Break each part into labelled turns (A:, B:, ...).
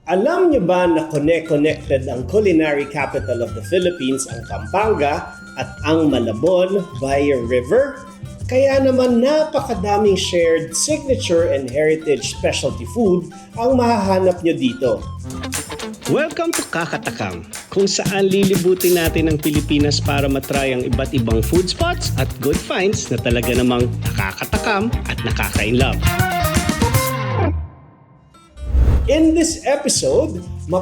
A: Alam niyo ba na connected ang culinary capital of the Philippines, ang Pampanga, at ang Malabon via river? Kaya naman napakadaming shared signature and heritage specialty food ang mahahanap niyo dito. Welcome to Kakatakam, kung saan lilibutin natin ang Pilipinas para matry ang iba't ibang food spots at good finds na talaga namang nakakatakam at nakaka-inlove. In this episode,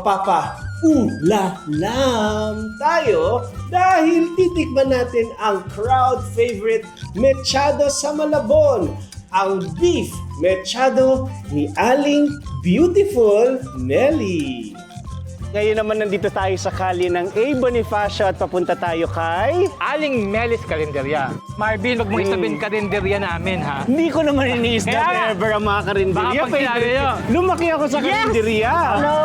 A: mapapa-ulalam tayo dahil titikman natin ang crowd favorite mechado sa Malabon, ang beef mechado ni Aling Beautiful Nelly. Ngayon naman nandito tayo sa kalye ng A. Bonifacio at papunta tayo kay...
B: Aling Melis Karinderya. Marvin, wag mong isabing karinderya namin, ha?
A: Hindi ko naman iniis na
B: Kaya-
A: ever ang mga karinderya.
B: Baka pagkilala nyo.
A: Lumaki ako sa karinderya. Hello!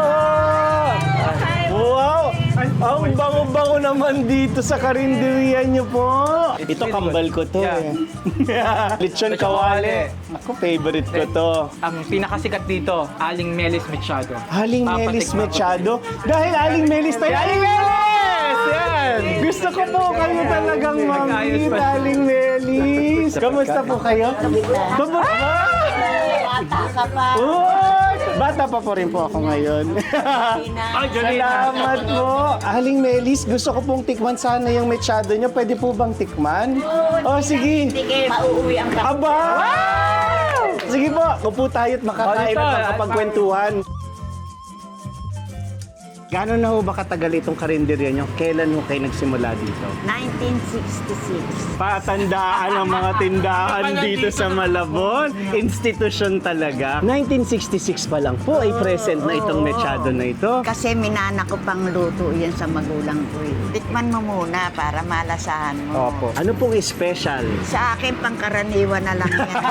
A: Wow! Ang bango-bango naman dito sa karinderya niyo po. Ito kambal ko to.
B: Yeah.
A: Lechon
B: Lechon
A: kawali.
B: kawali.
A: Ako, favorite ko to.
B: Ang pinakasikat dito, Aling Melis Machado.
A: Aling Melis
B: Papatikman ko
A: Machado. Dahil Aling Melis tayo. Aling Melis! Yan! Gusto ko po kayo talagang
B: Nag-ayos
A: mamit,
B: pa.
A: Aling Melis. Kamusta po kayo? Kamusta?
C: Bata ka pa.
A: Uy! Bata pa po rin po ako ngayon.
B: Ay, Jolene.
A: Salamat po. Aling Melis, gusto ko pong tikman sana yung mechado niyo. Pwede po bang tikman? Oh, sige.
C: Sige, mauuwi ang kapatid.
A: Aba! Sige po, upo tayo at makakain
B: Oh, dito.
A: at makapagkwentuhan. Gano'n na ho ba katagal itong karinderya niyo? Kailan ho kayo nagsimula dito?
C: 1966.
A: Patandaan ang mga tindahan dito sa Malabon. Institusyon talaga. 1966 pa lang po ay present na itong mechado na ito.
C: Kasi minana ko pang luto yan sa magulang ko. Tikman mo muna para malasahan mo.
A: Opo. Ano pong special?
C: Sa akin, pangkaraniwan na lang yan.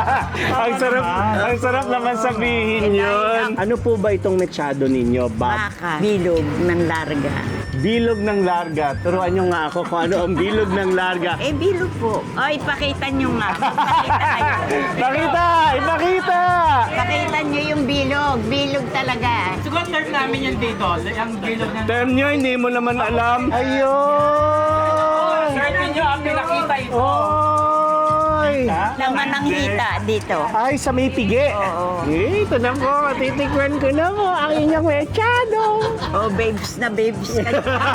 A: ang sarap naman sabihin yun. Ano po ba itong mechado ninyo, Bob?
C: Baka, bilog ng larga.
A: Bilog ng larga. Turuan nyo nga ako kung ano ang bilog ng larga.
C: Eh, bilog po. Ay, pakita nyo nga. Pakita kayo.
A: Pakita! Ipakita!
C: Pakita nyo yung bilog. Bilog talaga.
B: Siguro term namin yan dito. Ang bilog ng...
A: Term nyo, hindi mo naman alam. Ayun!
B: Term nyo ang pinakita ito.
A: Oy!
C: Laman ng hita dito.
A: Ay, sa may pigi.
C: Oo.
A: Eh, ito na po. Titikman ko na po ang inyong mechado.
C: Oh, babes na babes ka.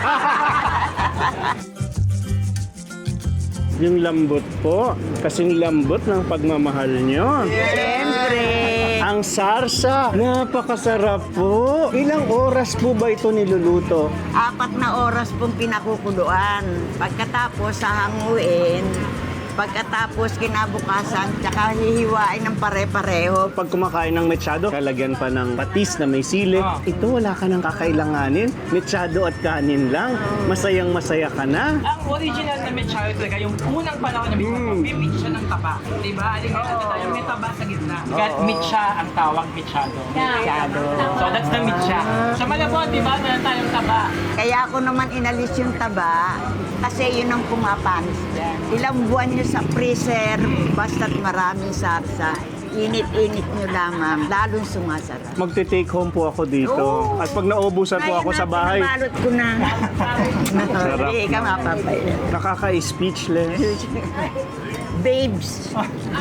A: Yung lambot po. Kasing lambot ng pagmamahal nyo.
C: Siyempre.
A: Ang sarsa. Napakasarap po. Ilang oras po ba ito niluluto?
C: 4 na oras pong pinakukuluan. Pagkatapos sahanguin, pagkatapos kinabukasan, tsaka hihiwain ng pare-pareho.
A: Pag kumakain ng mechado, lalagyan pa ng patis na may sili.
B: Ah.
A: Ito, wala ka nang kakailanganin. Mechado at kanin lang. Masayang masaya ka na.
B: Ang original na mechado talaga, yung unang panahon na mechado, may meat siya ng taba. Diba? Aling mechado tayo, may taba sa gitna. Kaya meat siya ang tawag mechado.
C: Masyado.
B: So that's the meat siya. Sa Malabon, diba, meron tayong taba.
C: Kaya ako naman inalis yung taba kasi yun ang pumapanis dyan. Ilang buwan nyo sa freezer, basta't maraming sarsa. Init-init nyo lamang, lalong sumasarap.
A: Magte-take home po ako dito.
C: Oo.
A: At pag naubusan po ako sa bahay,
C: Nabalot ko na.
A: Sarap.
C: Hindi ka mapapaya.
A: nakaka-speechless.
C: Babes.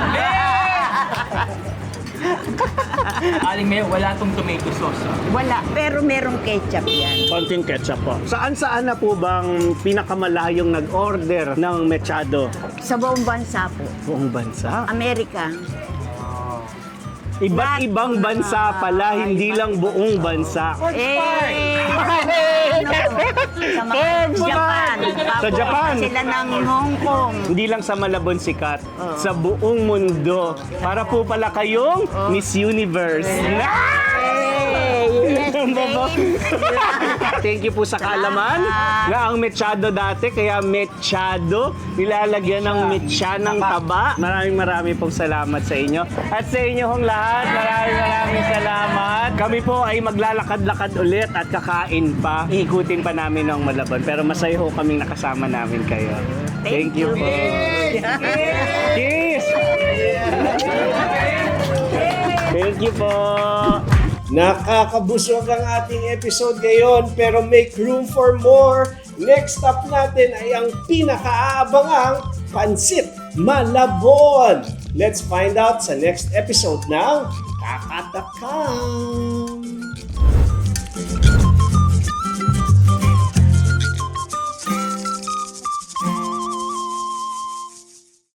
B: Aling Mayo, wala tong tomato sauce.
C: Wala, pero merong ketchup yan.
A: Konting ketchup po. Saan-saan na po bang pinakamalayong nag-order ng mechado?
C: Sa buong bansa po.
A: Buong bansa?
C: Amerika.
A: Iba't ibang bansa pala, hindi lang buong bansa.
C: Sa mga Japan.
A: Sa Japan.
C: Sila ng Hong Kong.
A: Hindi lang sa Malabon sikat, sa buong mundo. Para po pala kayong Miss Universe.
C: Yes,
A: Thank you po sa kaalaman na ang mechado dati, kaya mechado, nilalagyan ng mecha ng taba. Maraming pong salamat sa inyo. At sa inyo hong lahat, maraming salamat. Kami po ay maglalakad-lakad ulit at kakain pa. Iikutin pa namin ang Malabon. Pero masaya ho kaming nakasama namin kayo. Thank you po. Cheers! Thank you po. Nakakabusog ang ating episode ngayon pero make room for more. Next stop natin ay ang pinakaabangang Pansit Malabon. Let's find out sa next episode ng Kakatakam!